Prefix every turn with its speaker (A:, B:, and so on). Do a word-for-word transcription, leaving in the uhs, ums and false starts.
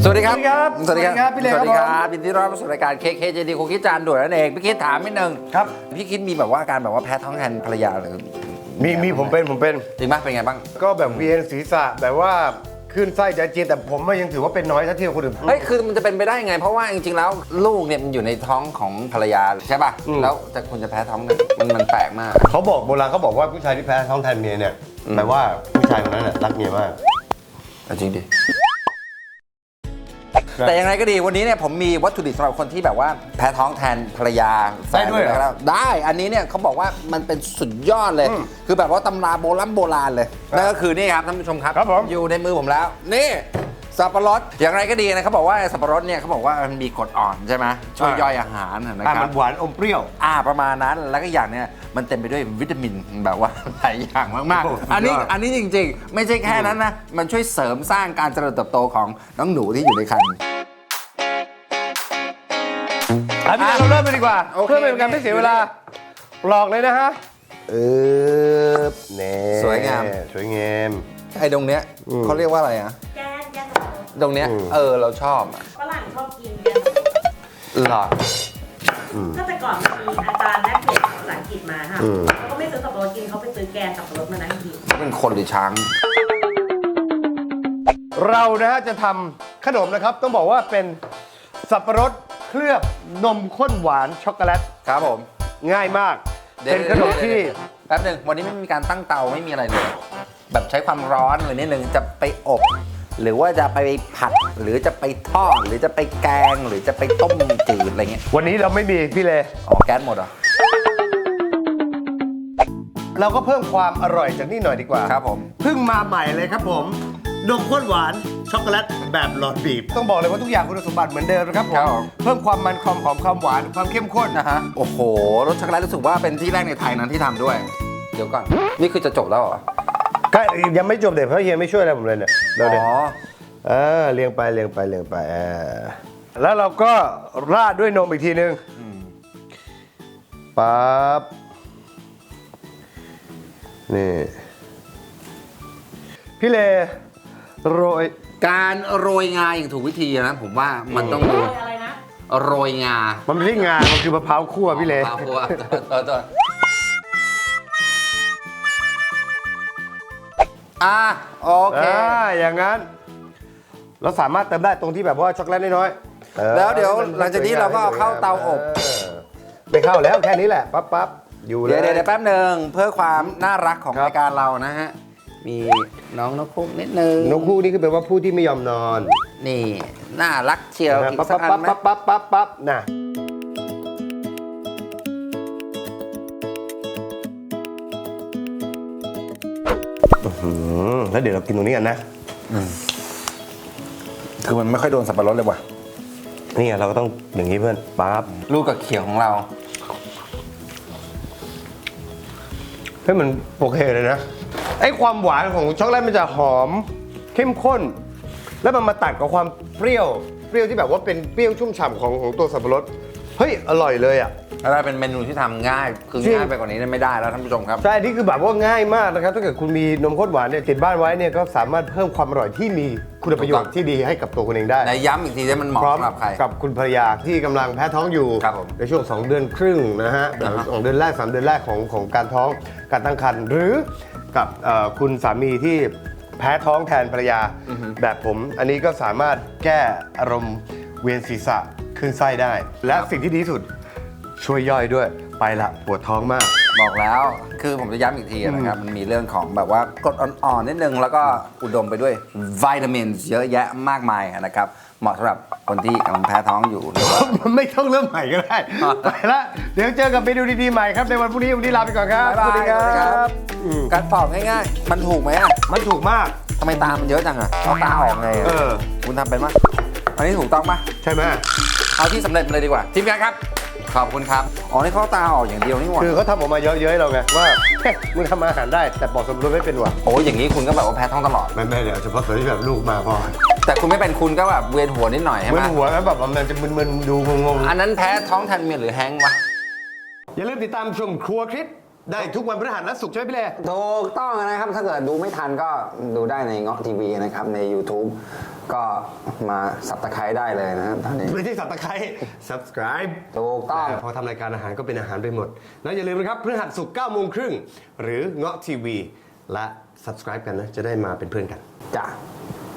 A: สวัสดีครับ
B: สวัสดีครับพี่เล็ก
A: สวัสดีค
B: ครั
A: รับบ ยินดีต้อนรับสู่รายการ เค เค เจ ดี คุกกี้จานด่วนนั่นเองพี่คิดถามนิดนึง
B: ครับ
A: พี่คิดมีแบบว่าการแบบว่าแพ้ท้องแทนภรรยาหรือ
B: มีมีผมเป็นผมเป็น
A: จริงปะเป็นไงบ้าง
B: ก็แบบเวียนศีรษะแบบว่าขึ้นไส้จะเจียนแต่ผมยังถือว่าเป็นน้อยถ้าเทียบกับคนอื่น
A: เฮ้ยคือมันจะเป็นไปได้ไง เพราะว่าจริงๆแล้วลูกเนี่ยมันอยู่ในท้องของภรรยาใช่ป่ะแล้วแต่คุณจะแพ้ท้องกันมันมันแปลกมาก
B: เขาบอกโบราณเขาบอกว่าผู้ชายที่แพ้ท้องแทนเมียเนี่ยแปลว่าผู้ชายคนนั้นน่ะรักเมียมาก
A: จริงดิแต่ยังไงก็ดีวันนี้เนี่ยผมมีวัตถุดิบสำหรับคนที่แบบว่าแพ้ท้องแทนภรรยา
B: ได้ด้วยเหรอ
A: แล้วได้อันนี้เนี่ยเขาบอกว่ามันเป็นสุดยอดเลย คือแบบว่าตำราโบราณโบราณเลยนั่นก็คือนี่ครับท่านผู้ชมครับ
B: ครับผม
A: อยู่ในมือผมแล้วนี่สับปะรดอย่างไรก็ดีนะเขาบอกว่าสับปะรดเนี่ยเขาบอกว่ามันมีกรดอ่อนใช่ไหมช่วยย่อยอาหารนะค
B: อ่ะ
A: รั
B: มั
A: บ
B: นหวานอมเปรี้ยว
A: อ่าประมาณนั้นแล้วก็อย่างเนี่ยมันเต็มไปด้วยวิตามินแบบว่าหลายอย่างมาก
B: โอ้
A: ๆอันนี้
B: สุดยอด
A: อันนี้จริงๆ ไม่ใช่แค่นั้นนะมันช่วยเสริมสร้างการเจริญเติบโตของน้องหนูที่อยู่ในครรภ์
B: อ่ะพี่เล็กเราเริ่มเลยดีกว่า
A: โอเค
B: เพื่อไม่เป็นการไม่เสียเวลาหลอกเลยนะฮะเออเน่
A: สวยงาม
B: สวยงาม
A: ไอ้ตรงเนี้ยเขาเรียกว่าอะไรอ่ะ
C: แกงแกงสับปะรด
A: ตรงเนี้ย
B: อืม
A: เออเราชอบอะ
C: ฝรั่งชอบกินแกงสับปะรด
A: หรอ
C: ก็แต่ก่อนมีอาจารย์แลกเปลี่ยนภาษาอังกฤษมาค่ะ
B: อืม
C: เขาก็ไม่ซื้อสับปะรดกินเขาไปซื้อแกงสับปะรดมานั่งกิน
A: เป็นคนหรือช้าง
B: เรานะฮะจะทำขนมนะครับ ต้องบอกว่าเป็นสับปะรดเคลือบนมข้นหวานช็อกโกแลต
A: ครับผม
B: ง่ายมาก เป็นขนมที่
A: แป๊บหนึงวันนี้ไม่มีการตั้งเตาไม่มีอะไรเลย แบบใช้ความร้อนเลยนิดนึงจะไปอบ หรือว่าจะไปผัดหรือจะไปทอดหรือจะไปแกงหรือจะไปต้มจืดอะไรเงี้ย
B: วันนี้เราไม่มีพี่เล
A: อ๋อแก๊สหมดเหรอ
B: เราก็เพิ่มความอร่อยจากนี่หน่อยดีกว่า
A: ครับผม
B: เพิ่งมาใหม่เลยครับผมนมข้นหวานช็อกโกแลตแบบหลอดบีบ ต้องบอกเลยว่าทุกอย่างคุณสมบัติเหมือนเดิมนะครับผ
A: ครั
B: ม
A: บผม
B: เพิ่มความมันความหอมความหวานความเข้มข้น
A: นะฮะโอ้โหรสช็อกโกแลตรู้สึกว่าเป็นที่แรกในไทยนั้นที่ทำด้วย เดี๋ยวก่อน นี่คือจะจบแล้วเหรอ
B: ก็ยังไม่จบเด็ดเพราะเฮียไม่ช่วยอะไรผมเลยเนี่ยเดี๋ยว
A: อ๋
B: เด็ด
A: อ
B: เออเรียงไปเรียงไปเรียงไปอ่าแล้วเราก็ราดด้วยนมอีกทีนึงปั๊บนี่พี่เลโรย
A: การโรยงาอย่างถูกวิธีนะผมว่ามันต้อง
C: โร
A: ดู
C: ยอะไรนะ
A: โรยงา
B: มันไม่ใช่งา มันคือมะพร้าวคั่วพี่เล
A: มะพร้าวคั่วเออตัวอ่ะโอเค
B: อ่าอย่างนั้น เราสามารถเติมได้ตรงที่แบบว่าช็อกโกแลตน้อยๆออ
A: แล้วเดี๋ยวหลังจากนี้เราก็เอาเข้าเตาอบ
B: เออไม่เข้าแล้วแค่นี้แหละ ปั๊บปั๊บอยู่เลย
A: เดี๋ยวเดี๋ยวเดี๋ยวแป๊บหนึ่งเพื่อความน่ารักของ
B: ครับ
A: รายการเรานะฮะ มีน้องนกคุกนิดนึง
B: นกคู่นี่คือแปลว่าผู้ที่ไม่ยอมนอน
A: นี่ น่ารักเชียวอีก
B: ปั๊บ
A: สั
B: ปั๊
A: ก
B: บ
A: อัน
B: ปั๊บ
A: ไหม
B: ปั๊บปั๊บปั๊บปั๊บน่ะอื้อหือแล้วเดี๋ยวเรากินตรงนี้กันนะ
A: คือมันไม่ค่อยโดนสับปะรดเลยว่ะ
B: นี่ไงเราก็ต้องอย่างนี้เพื่อนปั๊บ
A: ลูกกับเขียวของเรา
B: เฮ้ยมันโอเคเลยนะไอ้ความหวานของช็อกโกแลตมันจะหอมเข้มข้น แล้วมันมาตัดกับความเปรี้ยวเปรี้ยวที่แบบว่าเป็นเปรี้ยวชุ่มฉ่ำของของตัวสับปะรดเฮ้ยอร่อยเลยอ่ะ
A: แล้วเป็นเมนูที่ทำง่าย คือ
B: จริง
A: ง่ายไปกว่านี้ไม่ได้แล้วท่านผู้ชมครับ
B: ใช่นี่คือแบบว่าง่ายมากนะครับถ้าเกิดคุณมีนมข้นหวานเนี่ยติดบ้านไว้เนี่ยก็สามารถเพิ่มความอร่อยที่มีคุณประโยชน์ที่ดีให้กับตัวคุณเองได้
A: ในย้ำอีกทีว่ามันเหมาะ
B: พร้อม
A: สำหรับใคร
B: กับคุณภรรยาที่กำลังแพ้ท้องอยู่
A: ครับผม
B: ในช่วง สอง เดือนครึ่งนะฮะ
A: อ่าฮะ
B: สองเดือนแรกสามเดือนแรกของของการท้องการตั้งครรภ์หรือกับเอ่อคุณสามีที่แพ้ท้องแทนภรรยา แบบผมอันนี้ก็สามารถแก้อารมณ์เวียนศีรษะขึ้นไส้ได้ และสิ่งที่ดีที่สุดช่วยย่อยด้วยไปละปวดท้องมาก
A: บอกแล้ว คือผมจะย้ำอีกทีนะครับ มันมีเรื่องของแบบว่ากรดอ่อนๆนิดนึง แล้วก็อุดมไปด้วยวิตามินเยอะแยะมากมายนะครับ เหมาะสำหรับคนที่กำลังแพ้ท้องอยู่หรือว่า
B: ไม่ต้องเริ่มใหม่ก็ได้ ไปละเดี๋ยวเจอกับเมนูดีๆใหม่ครับในวันพรุ่งนี้วันนี้ลาไปก่อนครับ
A: บ๊ายบาย
B: สวัสดีครับอืม
A: การปอกง่ายๆ มันถูกไหมอะ
B: มันถูกมาก
A: ทำไมตามันเยอะจังอะเอาตาออกไงอะ
B: เออ
A: คุณทำเป็นมั้ยอันนี้ถูกต้องปะ
B: ใช่ไหม
A: เอาที่สำเร็จมาเลยดีกว่า ทีมงานครับ ขอบคุณครับ อ๋อ นี่เขาเอาตาออกอย่างเดียวนี่หว่า
B: คือเขาทำออกมาเยอะๆให้เราไงว่าเฮ้ยมึงทำอาหารได้แต่ปอกสมรสไม่เป็นว่ะ
A: โอ้ยอย่างนี้คุณก็แบบว่าแพ้ท้องตลอด
B: ไม่ไม่เดี๋ยวเฉพาะตัวที่แบบลูกมาพอ
A: แต่คุณไม่เป็นคุณก็แบบเวียนหัวนิดหน่อยใช่
B: มึ
A: ไหม
B: นหัวแล้วแบบมันจะมึนๆดูงง
A: อันนั้นแพ้ท้องแทนเมียหรือแฮงก์วะ
B: ๆอย่าลืมติดตามชมครัวคลิปได้ทุกวันพฤหัสและศุกร์ใช่ไหมพี่เล่
A: ถูกต้องนะครับ ถ้าเกิดดูไม่ทันก็ดูได้ในเงาะทีวีนะครับ ใน YouTube
D: ก็มาสับตะไคร้ได้เลยนะตอนนี้
B: ไม่ใช่สับตะไคร้ subscribe
D: ถูกต้อง
B: พอทำรายการอาหารก็เป็นอาหารไปหมด แล้วอย่าลืมนะครับพฤหัสศุกร์เก้าโมงครึ่งหรือเงาะทีวีและ subscribe กันนะ จะได้มาเป็นเพื่อนกัน
D: จ้ะ